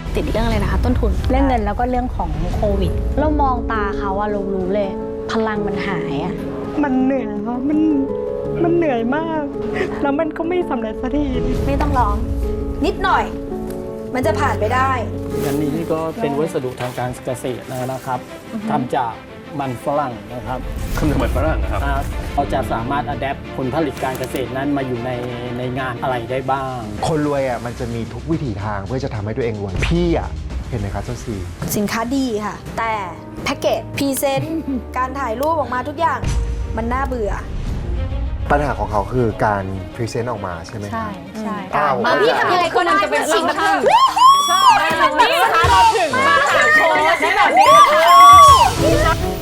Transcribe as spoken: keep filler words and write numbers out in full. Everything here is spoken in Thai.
ติดเรื่องอะไรนะคะต้นทุนเรื่องเงินแล้วก็เรื่องของโควิดเรามองตาเขาอะเรารู้เลยพลังมันหายอะมันเหนื่อยค่ะมันมันเหนื่อยมากแล้วมันก็ไม่สำเร็จสักทีไม่ต้องร้องนิดหน่อยมันจะผ่านไปได้อันนี้นี่ก็เป็นวัสดุทางการเกษตรนะครับทำจากมันฝรั่งนะครับทำจากมันฝรั่งนะครับเราจะสามารถอัดแอปผลผลิตการเกษตรนั้นมาอยู่ในในงานอะไรได้บ้างคนรวยอ่ะมันจะมีทุกวิถีทางเพื่อจะทำให้ตัวเองรวยพี่อ่ะเห็นไหมครับเจ้าซีสินค้าดีค่ะแต่แพ็กเกจพรีเซนต์การถ่ายรูปออกมาทุกอย่างมันน่าเบื่อปัญหาของเขาคือการพรีเซนต์ออกมาใช่ไหมใช่ใช่พี่ทำยังไงก็ได้จะเป็นสิ่งที่ใช่นี่ค่ะเราถึงมาหาโค้ชได้แบบนี้